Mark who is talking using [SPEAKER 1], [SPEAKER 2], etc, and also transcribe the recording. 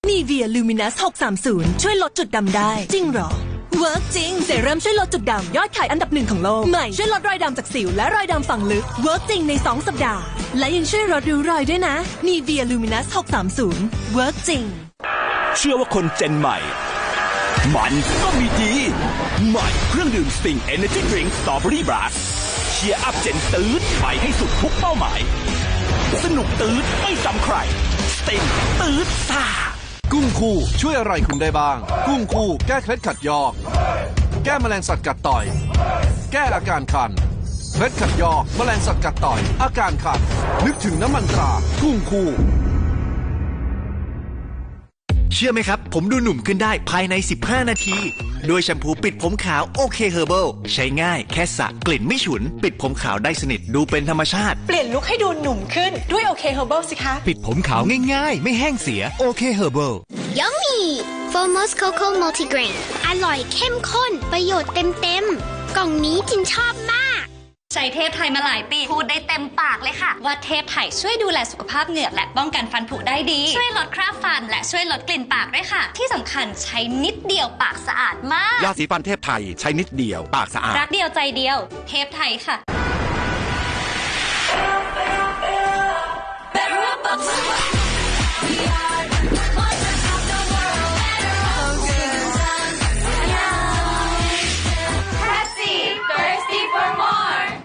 [SPEAKER 1] Nivea Luminous 630 ช่วยลดจุดดำได้จริงเหรอเวิร์กจริงเซรั่มช่วยลดจุดดำยอดขายอันดับ1ของโลกใหม่ช่วยลดรอยดำจากสิวและรอยดำฝังลึกเวิร์กจริงใน2 สัปดาห์และยังช่วยลดริ้วรอยด้วยนะ Nivea Luminous 630เวิร์กจริง
[SPEAKER 2] เชื่อว่าคนเจนใหม่มันก็มีดีใหม่เครื่องดื่ม Sting Energy Drink Strawberry Blast เชียร์อัพเจนตื้นไปให้สุดทุกเป้าหมายสนุกตื้นไม่จำใคร Sting ตื้นซ่า
[SPEAKER 3] กุ้งคู่ช่วยอะไรคุณได้บ้างกุ้งคู่แก้เคล็ดขัดยอกแก้แมลงสัตว์กัดต่อยแก้อาการคันเคล็ดขัดยอกแมลงสัตว์กัดต่อยอาการคันนึกถึงน้ำมันตรากุ้งคู่
[SPEAKER 4] เชื่อไหมครับผมดูหนุ่มขึ้นได้ภายใน15 นาทีด้วยแชมพูปิดผมขาวโอเคเฮอร์เบิลใช้ง่ายแค่สระกลิ่นไม่ฉุนปิดผมขาวได้สนิทดูเป็นธรรมชาติ
[SPEAKER 5] เปลี่ยนลุคให้ดูหนุ่มขึ้นด้วยโอเคเฮอร์เบิลสิคะ
[SPEAKER 4] ปิดผมขาวง่ายๆไม่แห้งเสียโอเคเฮอร์เบิล
[SPEAKER 6] Yummy Formos Cocoa Multigrain อร่อยเข้มข้นประโยชน์เต็มๆกล่องนี้จินชอบมาก
[SPEAKER 7] ใช้เทพไทยมาหลายปีพูดได้เต็มปากเลยค่ะว่าเทพไทยช่วยดูแลสุขภาพเหงือกและป้องกันฟันผุได้ดีช่วยลดคราบฟันและช่วยลดกลิ่นปากด้วยค่ะที่สำคัญใช้นิดเดียวปากสะอาดมาก
[SPEAKER 8] ยาสีฟันเทพไทยใช้นิดเดียวปากสะอาด
[SPEAKER 7] รักเดียวใจเดียวเทพไทยค่ะ